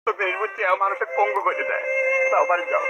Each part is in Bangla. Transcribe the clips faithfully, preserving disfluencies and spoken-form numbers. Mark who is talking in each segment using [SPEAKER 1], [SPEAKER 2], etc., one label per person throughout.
[SPEAKER 1] তো দেশ বুঝছি মানুষের পঙ্গু করে দেয়। যাও বাড়ি যাও।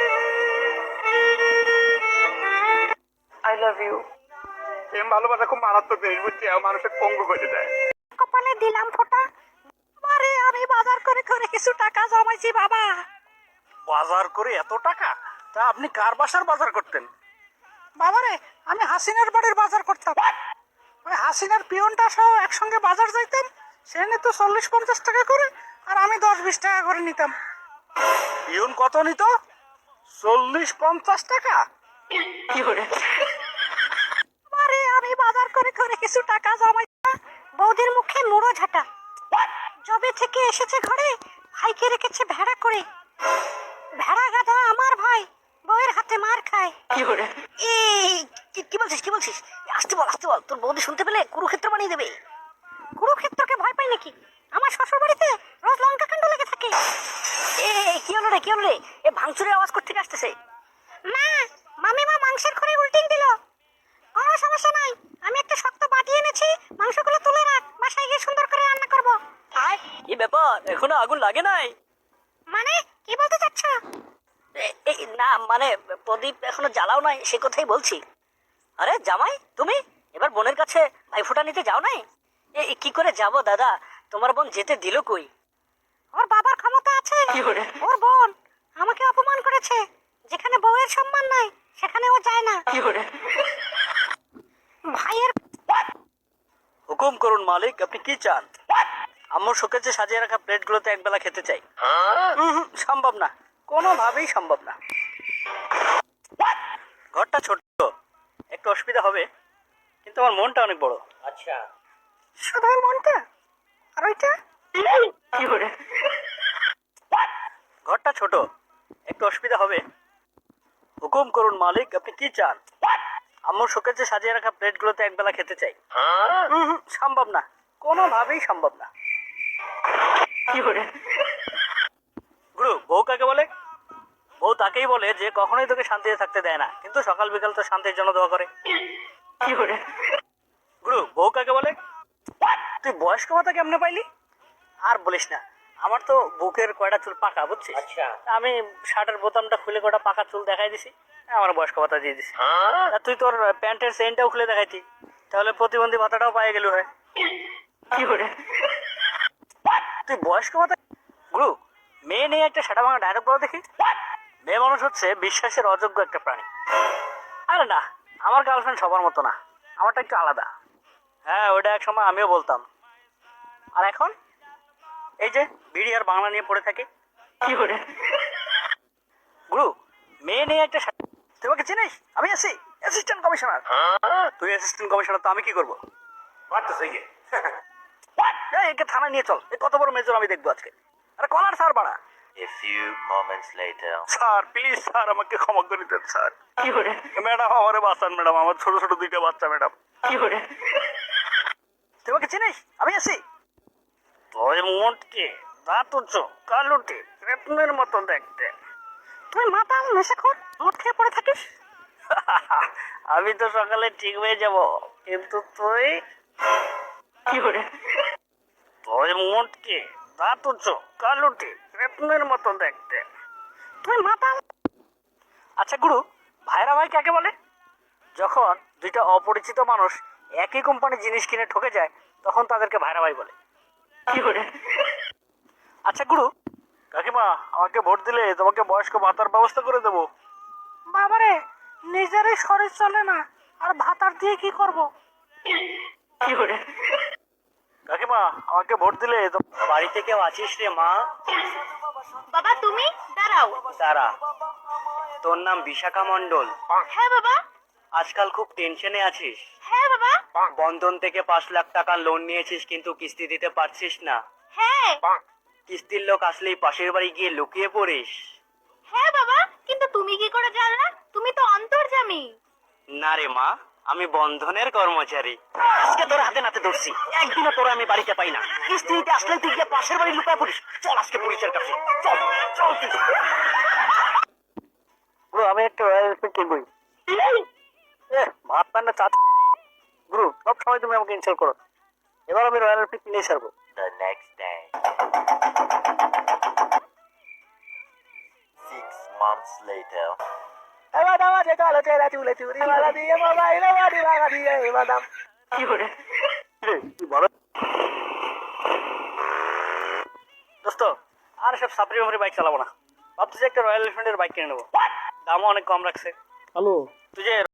[SPEAKER 1] I love you. প্রেম ভালোবাসা খুব মারাত্মক দেশ বুঝছি মানুষের পঙ্গু করে দেয়।
[SPEAKER 2] কপালে দিলাম ফোঁটা। আরে আমি বাজার করে করে কিছু টাকা জমাইছি বাবা।
[SPEAKER 3] বাজার করে এত টাকা? তা আপনি কার বাসার বাজার করতেন?
[SPEAKER 2] বাবারে আমি হাসিনার বাড়ির বাজার করতাম। ওই হাসিনার পিয়নটা সহ একসঙ্গে বাজার যাইতাম। সে নিত চল্লিশ পঞ্চাশ টাকা করে, আর আমি দশ বিশ টাকা করে নিতাম।
[SPEAKER 3] পিয়ন কত নিত? চল্লিশ পঞ্চাশ টাকা?
[SPEAKER 2] কি করে? আরে আমি বাজার করে করে কিছু টাকা জমাইতাম। বৌদির মুখে মুড়ো ঝাঁটা। জবে থেকে এসেছে ঘরে, ভাইকে রেখেছে ভেড়া করে। ভেড়া গাধা আমার ভাই, বউয়ের হাতে মার খায়। কি করে? এই কি- কি বলছিস কি বলছিস? আসতে বল আসতে বল, তোর বৌদি শুনতে পেলে কুরুক্ষেত্র বানিয়ে দেবে। কুরুক্ষেত্রকে ভয় পাই নাকি? আমার শ্বশুর বাড়িতে রোজ লঙ্কা কাণ্ড লেগে থাকে। এই কি হলো রে কি হলো রে? এ ভাঙচুরের আওয়াজ কোত্থেকে আসতেছে? মা, মামিমা মাংসের খড়ে উল্টিং দিল। কোনো সমস্যা নাই, আমি একটা শক্ত বাটি এনেছি, মাংসগুলো তুলে রাখ, বাসায় গিয়ে সুন্দর করে রান্না করব।
[SPEAKER 4] আয়, কি ব্যাপার, এখনো আগুন লাগে নাই?
[SPEAKER 2] মানে কি বলতে চাচ্ছ?
[SPEAKER 4] এ- এই না মানে প্রদীপ এখনো জ্বালাও নাই, সে কথাই বলছি। আরে জামাই, তুমি এবার বোনের কাছে ভাইফোঁটা নিতে যাও নাই? এ এ, কি করে যাব দাদা, তোমার বোন যেতে দিল কই?
[SPEAKER 2] ওর বাবার ক্ষমতা আছে।
[SPEAKER 4] কি করে?
[SPEAKER 2] ওর বোন আমাকে অপমান করেছে। যেখানে বউয়ের সম্মান নাই সেখানে ও যায় না।
[SPEAKER 4] কি করে?
[SPEAKER 2] ভাইয়ের
[SPEAKER 4] হুকুম করুন মালিক, আপনি কি চান? আম্মুর শোকেজে সাজিয়ে রাখা প্লেটগুলোতে একবেলা খেতে চাই। হুম হুম, সম্ভব না, কোনোভাবেই সম্ভব না। ঘরটা ছোট, একটু অসুবিধা হবে, কিন্তু আমার মনটা অনেক বড়। আচ্ছা।
[SPEAKER 2] শুধু মনটা, আর ওইটা
[SPEAKER 4] কি করে? ঘরটা ছোট, একটু অসুবিধা হবে। হুকুম করুন মালিক, আপনি কি চান? আম্মুর শোকেজে সাজিয়ে রাখা প্লেটগুলোতে একবেলা খেতে চাই। হুম হুম, সম্ভব না, কোনোভাবেই সম্ভব না। কি করে? গুরু, বউ কাকে বলে? বউ তাকেই বলে যে কখনোই তোকে শান্তিতে থাকতে দেয় না, কিন্তু সকাল বিকাল তো শান্তির জন্য দোয়া করে। কি করে? গুরু, বউ কাকে বলে? তুই বয়স্ক ভাতা কেমনে পাইলি? আর বলিস না, আমার তো বুকের কয়টা চুল পাকা, বুঝছিস? আচ্ছা। আমি শার্টের বোতামটা খুলে কয়টা পাকা চুল দেখাই দিছি, আমার বয়স্ক ভাতা দিয়ে দিছি। তা তুই তোর প্যান্টের চেইনটাও খুলে দেখাইতি, তাহলে প্রতিবন্ধী ভাতাটাও পাই গেল হয়। কি করে? তুই বয়স্ক ভাতা? গুরু, মেয়ে নিয়ে একটা সেটা ভাঙা ডায়লগ বলো দেখি। মেয়ে মানুষ হচ্ছে বিশ্বাসের অযোগ্য একটা প্রাণী। আরে না, আমার গার্লফ্রেন্ড সবার মতো না, আমারটা একটু আলাদা। হ্যাঁ, ওইটা এক সময় আমিও বলতাম, আর এখন এই যে বিড়ি আর বাংলা নিয়ে পড়ে থাকে। কি করে? গুরু, মেয়ে নিয়ে একটা সা- তুই আমাকে চিনিস? আমি আছি অ্যাসিস্ট্যান্ট কমিশনার। তুই অ্যাসিস্ট্যান্ট কমিশনার, তো আমি কি করবো? এই, একে থানায় নিয়ে চল, এই কত বড় মেজর আমি দেখবো আজকে। আরে কলার স্যার বাড়া।
[SPEAKER 5] A few moments later.
[SPEAKER 3] Sir please sir, আমাকে ক্ষমা করে দেন স্যার।
[SPEAKER 4] কি করে?
[SPEAKER 3] ম্যাডাম আমারে বাঁচান ম্যাডাম, আমার ছোট ছোট দুইটা বাচ্চা ম্যাডাম।
[SPEAKER 4] কি করে?
[SPEAKER 3] তুই আমাকে চিনিস? আমি আছি। তোর মোটকে দাঁত উচ্চ কালুটে রত্নের মতো দেখতে।
[SPEAKER 2] তুই মাতাল নেশাখোর, মদ খেয়ে পড়ে থাকিস।
[SPEAKER 3] আমি তো সকালে ঠিক হয়ে যাব, কিন্তু তুই
[SPEAKER 4] কি করে?
[SPEAKER 3] তোর মোটকে দাঁত উচ্চ কালুটে রত্নের মতো দেখতে।
[SPEAKER 2] তুই মাতাল।
[SPEAKER 3] আচ্ছা গুরু, ভাইরা ভাই কাকে বলে? যখন দুইটা অপরিচিত মানুষ একই কোম্পানির জিনিস কিনে ঠকে যায়, তখন তাদেরকে ভাইরা ভাই বলে।
[SPEAKER 4] কি করে?
[SPEAKER 3] আচ্ছা গুরু, কাকিমা আমাকে ভোট দিলে তোমাকে বয়স্ক ভাতার ব্যবস্থা করে দেবো।
[SPEAKER 2] বাবারে, নিজেরই শরীর চলে না, আর ভাতার দিয়ে কি করব?
[SPEAKER 4] কি করে?
[SPEAKER 3] কাকিমা আমাকে ভোট দিলে তো-
[SPEAKER 4] বাড়িতে কেউ আছিস রে মা?
[SPEAKER 2] বাবা তুমি দাঁড়াও।
[SPEAKER 4] তারা, তোর নাম বিশাখা মণ্ডল।
[SPEAKER 2] হ্যাঁ বাবা।
[SPEAKER 4] আজকাল খুব টেনশনে আছিস।
[SPEAKER 2] হ্যাঁ বাবা।
[SPEAKER 4] বন্ধন থেকে পাঁচ লাখ টাকা লোন নিয়েছিস, কিন্তু কিস্তি দিতে পারছিস না।
[SPEAKER 2] হ্যাঁ
[SPEAKER 4] কিস্তির লোক আসলেই পাশের বাড়ি গিয়ে লুকিয়ে পড়িস।
[SPEAKER 2] হ্যাঁ বাবা, কিন্তু তুমি কি করে জানলা? তুমি তো অন্তর্যামী।
[SPEAKER 4] না রে মা, আমি বন্ধনের কর্মচারী। আজকে তোর হাতে নাতে ধরছি, একদিনও তোরা আমি বাড়িতে পাই না। কিস্তি দিতে আসলে তুই গিয়ে পাশের বাড়ি লুকায় পড়িস। চল আজকে পুলিশের কাছে, চল চল তুই।
[SPEAKER 3] গুরু আমি একটা রয়্যাল এনফিল্ড কিনবই। এ ভাত পান্না চা। গুরু সব সময় তুমি আমাকে ইনসাল্ট করো, এবার আমি রয়্যাল এনফিল্ড কিনেই ছাড়বো।
[SPEAKER 5] The next day. months later.
[SPEAKER 3] কি করে
[SPEAKER 4] দোস্ত আর সব সাপড়ি মাপড়ি বাইক চালাবো না, ভাবতেছি একটা রয়্যাল এনফিল্ডের বাইক কিনে নেবো, দামও অনেক কম রাখছে।
[SPEAKER 3] হ্যালো
[SPEAKER 4] তুই যে